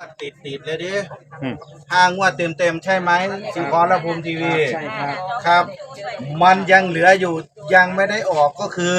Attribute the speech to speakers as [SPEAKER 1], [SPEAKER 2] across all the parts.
[SPEAKER 1] ติดเลยดิ
[SPEAKER 2] อืม
[SPEAKER 1] 5 งวดเต็มใช่ไหมสีขอระภูมิทีวี
[SPEAKER 3] ใช่ครับ
[SPEAKER 1] ครับ มันยังเหลืออยู่ยังไม่ได้ออกก็คือ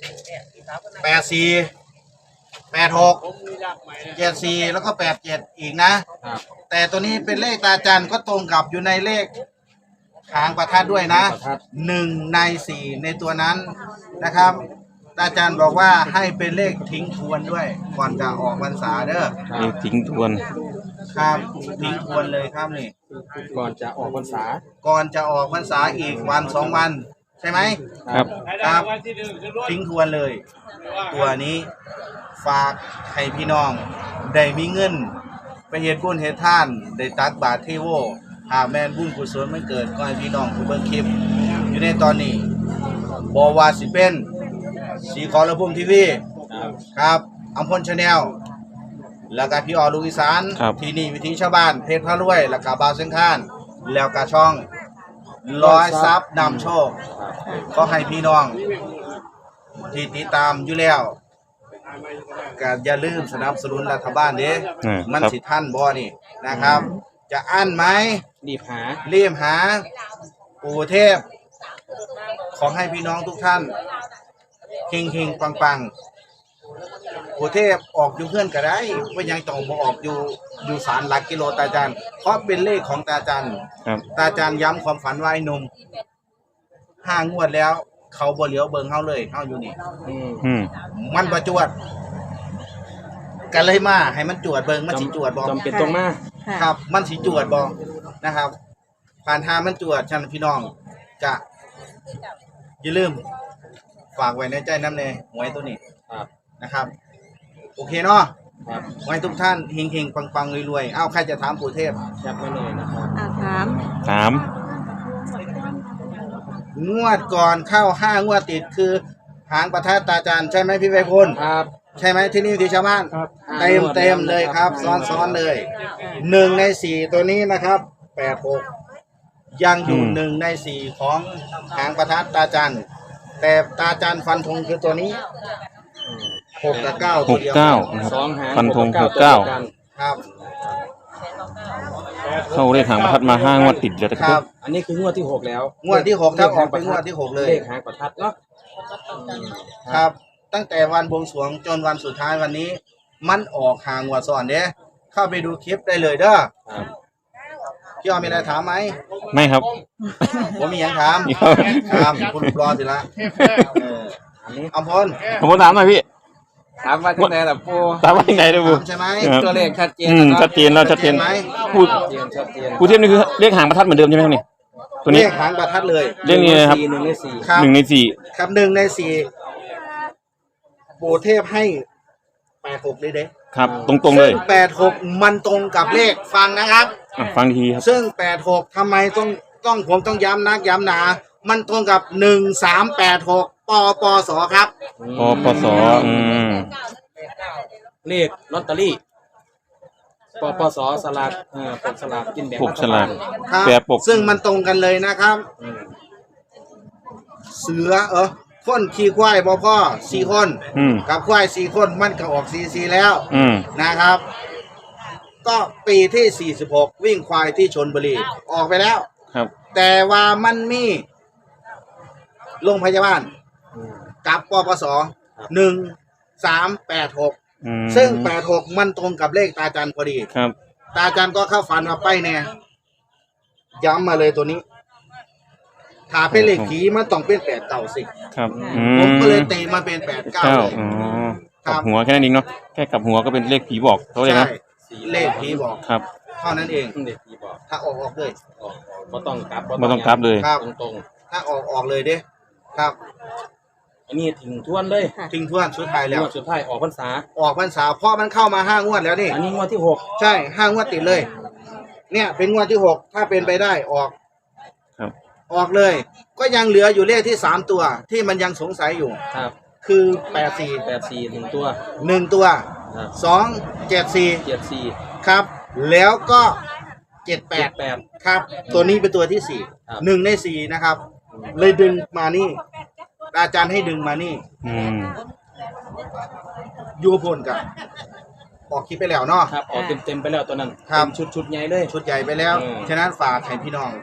[SPEAKER 1] 84 86 74แล้วก็87อีกนะ
[SPEAKER 3] ครับ
[SPEAKER 1] แต่ตัวนี้เป็นเลขตาจันก็ตรงกับอยู่ในเลขหางประทัดด้วยนะ1 ใน 4ในตัวนั้นนะครับตาจันบอกว่าให้เป็นเลขทิ้งทวนด้วย ก่อนจะออกพรรษาเด้อ
[SPEAKER 2] เลขทิ้งทวน
[SPEAKER 1] ครับทิ้งทวนเลยครับนี่
[SPEAKER 3] ก่อนจะออกพรรษา
[SPEAKER 1] ก่อนจะออกพรรษาอีกวัน2 วันใช่ไหม
[SPEAKER 2] ครับ
[SPEAKER 1] ครับทิ้งทวนเลย ตัวนี้ฝากให้พี่น้องได้มีเงินไปเฮ็ดบุญเฮ็ดทานได้ตักบาตรเทโวหากแม่นบุญกุศลมันเกิดก็ให้พี่น้องผู้เบิ่งคลิปอยู่ในตอนนี้บ่ว่าสิเป็นสีขอระภูมิทีวี
[SPEAKER 3] ครับ
[SPEAKER 1] ครับอัมพลชาแนลแล้วก็พี่ออลูกอีสาน
[SPEAKER 2] ครับ
[SPEAKER 1] ที่นี่วิถีชาวบ้านเพชรพระรวยแล้วก็บาวเส้นข้านแล้วก็ช่องร้อยซับนำโชคก็ให้พี่น้องที่ติดตามอยู่แล้วก็อย่าลืมสนับสนุนรัฐบาลเด้ มัน
[SPEAKER 2] ครับ
[SPEAKER 1] สิท่านบ่นี่นะครับ จะอั้นไหม
[SPEAKER 3] รีบหา
[SPEAKER 1] รีบหาปู่เทพ ขอให้พี่น้องทุกท่านเฮงๆปังๆปู่เทพออกอยู่เพื่อนก็ได้ว่ายังต้องมาออกอยู่ศาลหลักกิโลตาจันเพราะเป็นเลขของตาจัน
[SPEAKER 2] ครับ
[SPEAKER 1] ตาจันย้ำความฝันไว้หนุ่ม5 งวดแล้ว เขาบ่เหลียวเบิ่งเฮาเลยเฮาอยู่นี่
[SPEAKER 2] อืม
[SPEAKER 1] มันประจวดกันเลยมาให้มันจวดเบิ่งมันสิจวดบ่
[SPEAKER 3] จำเป็นตรงมา
[SPEAKER 1] ครับ มันสิจวดบ่นะครับ ผ่านทางมันจวดฉันพี่น้องจะอย่าลืม ฝากไว้ในใจน้ำเนหวยตัวนี้
[SPEAKER 3] ครับ
[SPEAKER 1] นะครับ โอเคเนาะ
[SPEAKER 3] ครับ
[SPEAKER 1] ไว้ทุกท่านเฮงๆปังๆรวยๆเอ้าใครจะถามปู่เทพ
[SPEAKER 3] แคปไว้เลยนะครับ
[SPEAKER 4] ถาม
[SPEAKER 2] ถาม
[SPEAKER 1] งวดก่อนเข้า5 งวดติดคือหางประทัดตาจันใช่ไหมพี่ไพพล
[SPEAKER 3] ครับ
[SPEAKER 1] ใช่ไหมที่นี่ที่ชาวบ้าน
[SPEAKER 3] ครับ
[SPEAKER 1] เต็มเลยครับซ้อนเลย1 ใน 4ตัวนี้นะครับ86ยังอยู่1 ใน 4ของหางประทัดตาจันแต่ตาจันฟันธงคือตัวนี้6 กับ 9 ตัวเดียว
[SPEAKER 2] 69นะครับ
[SPEAKER 3] สองหาง
[SPEAKER 2] ฟันธง
[SPEAKER 3] ตัว
[SPEAKER 2] 69
[SPEAKER 3] กัน
[SPEAKER 1] ครับ
[SPEAKER 2] เข้าเลขหางประทัดมา5 งวดติดแล้วนะ
[SPEAKER 1] ค
[SPEAKER 2] ค
[SPEAKER 1] รั
[SPEAKER 2] รั
[SPEAKER 1] บบ
[SPEAKER 3] อันนี้คืองวดที่ 6 แล้ว
[SPEAKER 1] งวดที่6ถ้าออกเป็นงวดที่6เลย
[SPEAKER 3] เลขหางประทัดเนาะ
[SPEAKER 1] ครับ ตั้งแต่วันบวงสรวงจนวันสุดท้ายวันนี้ มันออกหางวดซ้อนเด้เข้าไปดูคลิปได้เลยเด้อ
[SPEAKER 3] ครับ
[SPEAKER 1] พี่ออมมีอะไรถามไหม
[SPEAKER 2] ไม่ครับ
[SPEAKER 1] ผมมีอย่างถาม
[SPEAKER 2] ครับ
[SPEAKER 1] ครับคุณรอสิละ
[SPEAKER 3] อันนี้
[SPEAKER 1] อัมพล
[SPEAKER 2] ผมถามหน่อยพี่
[SPEAKER 3] ถามว่าที่ไหนล่ะปู
[SPEAKER 2] ถามว่ายังไงนะบู
[SPEAKER 1] ถามใช่ไหม
[SPEAKER 2] ครับ
[SPEAKER 3] ตัวเลขชัดเจน
[SPEAKER 2] ชัดเจนแล้วชัดเจน
[SPEAKER 1] ไหม
[SPEAKER 2] พูด
[SPEAKER 3] ชัดเจน
[SPEAKER 2] พูดเทียบนี่คือเลขหางประทัดเหมือนเดิมใช่ไหมครับนี่ตัวนี้
[SPEAKER 1] เลขหางประทัดเลย
[SPEAKER 2] เลขนี้นะครับ
[SPEAKER 3] 1 ใน 4
[SPEAKER 1] ครับ
[SPEAKER 2] 1 ใน 4
[SPEAKER 1] ครับ1 ใน 4ปู่เทพให้86เลยเด้
[SPEAKER 2] ครับ ตรงๆเลย
[SPEAKER 1] ซึ่ง86มันตรงกับเลขฟังนะครับ
[SPEAKER 2] อ่ะฟังทีครับ
[SPEAKER 1] ซึ่ง86ทำไมต้องผมต้องย้ำนักย้ำหนา มันตรงกับ1386ปสครับ
[SPEAKER 2] ปสอืม
[SPEAKER 3] เลขลอตเตอรี่ปสสลากปกสลากกินแบ่ง
[SPEAKER 2] ปกฉลาก
[SPEAKER 1] ครับ
[SPEAKER 2] แปรปก
[SPEAKER 1] ซึ่งมันตรงกันเลยนะครับ
[SPEAKER 3] อืม
[SPEAKER 1] เสือคนขี่ควายพ่อ4 คน
[SPEAKER 2] อืม
[SPEAKER 1] กับควาย4 คนมันก็ออก44แล้ว
[SPEAKER 2] อืม
[SPEAKER 1] นะครับ ก็ปีที่ 46 วิ่งควายที่ชลบุรีออกไปแล้ว
[SPEAKER 2] ครับ
[SPEAKER 1] แต่ว่ามันมีโรงพยาบาล
[SPEAKER 3] อืม
[SPEAKER 1] กับปปส1386
[SPEAKER 2] อืม
[SPEAKER 1] ซึ่ง86มันตรงกับเลขตาจันพอดี
[SPEAKER 2] ครับ
[SPEAKER 1] ตาจันก็เข้าฝันมาไปแน่ย้ำมาเลยตัวนี้ ถ้าเป็นเลขผีมันต้องเป็น8 9 10
[SPEAKER 2] ครับอื
[SPEAKER 1] ผมก็เลยตีมาเป็น8 9
[SPEAKER 2] เก้า
[SPEAKER 1] เลย
[SPEAKER 2] อ๋อ
[SPEAKER 1] ครั
[SPEAKER 2] กับบ หัวแค่นั้นเองเนาะแค่กลับหัวก็เป็นเลขผีบอกเขาเลย
[SPEAKER 1] ใช่
[SPEAKER 2] นะ
[SPEAKER 1] เลขผีบอก
[SPEAKER 2] ครับ
[SPEAKER 1] เท่านั้นเอง
[SPEAKER 3] เด็กผีบอก
[SPEAKER 1] ถ้าออกเลย
[SPEAKER 3] ก็ต้องกลับ
[SPEAKER 2] ไม่ต้องกลับเลย
[SPEAKER 1] ครับ
[SPEAKER 3] ตรง
[SPEAKER 1] ถ้าออกเลยเด้ครับ
[SPEAKER 3] ๆอันนี้ถึงทวนเลย
[SPEAKER 1] ทิ้งทวนสุดท้ายแล้ว
[SPEAKER 3] งวดสุดท้ายออกพรรษา
[SPEAKER 1] ออกพรรษาเพราะมันเข้ามา5 งวดแล้วนี่
[SPEAKER 3] อันนี้งวดที่
[SPEAKER 1] ใช่5 งวดติดเลย เนี่ยเป็นงวดที่ 6 ถ้าเป็นไปได้ออก
[SPEAKER 2] ครับ
[SPEAKER 1] ออกเลย ก็ยังเหลืออยู่เลขที่3 ตัวที่มันยังสงสัยอยู่
[SPEAKER 3] 6 ครับ
[SPEAKER 1] คือ
[SPEAKER 3] 84ถึงตัว
[SPEAKER 1] 84 1 ตัว
[SPEAKER 3] ครับ
[SPEAKER 1] 2 74
[SPEAKER 3] 74
[SPEAKER 1] ครับ แล้วก็78
[SPEAKER 3] 78
[SPEAKER 1] ครับ ตัวนี้เป็นตัวที่
[SPEAKER 3] ครับ
[SPEAKER 1] 4 1 ใน 4 นะครับ เลยดึงมานี่ อาจารย์ให้ดึงมานี่
[SPEAKER 2] อืม
[SPEAKER 1] ยูพลกับออกคลิปไปแล้วเนาะ
[SPEAKER 3] ครับออกเต็มไปแล้วตัวนั้น
[SPEAKER 1] ครับ
[SPEAKER 3] เป็นชุดใหญ่เลย
[SPEAKER 1] ชุดใหญ่ไปแล้ว
[SPEAKER 3] อืม
[SPEAKER 1] ฉะนั้นฝากให้พี่น้อง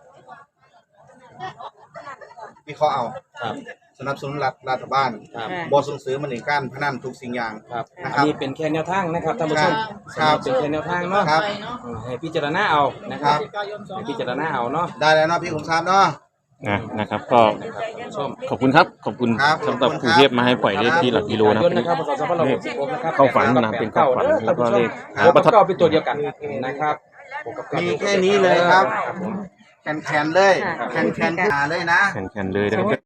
[SPEAKER 1] วิเคราะห์เอา
[SPEAKER 3] ครับ
[SPEAKER 1] สนับสนุนรัฐบาล
[SPEAKER 3] ครับ
[SPEAKER 1] บ่ส่งเสริมมันในการพนันทุกสิ่งอย่าง
[SPEAKER 3] ครับ
[SPEAKER 1] นะค
[SPEAKER 3] อั
[SPEAKER 1] รั
[SPEAKER 3] น
[SPEAKER 1] บ
[SPEAKER 3] นี้เป็นแค่แนวทางนะครับท่านผู้ชม
[SPEAKER 1] ครับ
[SPEAKER 3] เป็นแค่แนวทางเนาะ
[SPEAKER 1] ครับ
[SPEAKER 3] ให้พิจารณาเอานะครับให้พิจารณาเอาเนาะ
[SPEAKER 1] ได้แล้วเนาะพี่ขุมทรัพย์เนาะ
[SPEAKER 2] นะครับก็
[SPEAKER 3] นะครับท่านผู้ชม
[SPEAKER 2] ขอบคุณครับขอบคุณ
[SPEAKER 1] ครับ
[SPEAKER 2] สำหรับ
[SPEAKER 1] ขอบคุณ
[SPEAKER 2] ครูเทพมาให้ปล่อยเลขที่หลักกิโลนะ
[SPEAKER 3] ยนต์นะครับพศ2566นะครับ
[SPEAKER 2] เข้าฝันนะเป็นเข้าฝันแล้วก็เลข
[SPEAKER 3] โอ้ประทับเป็นตัวเดียวกันนะครับ
[SPEAKER 1] มีแค่นี้เลยครับ
[SPEAKER 3] ผม
[SPEAKER 1] แคนๆเลยแคนๆเลยนะ
[SPEAKER 2] แขนๆเลยนะครับ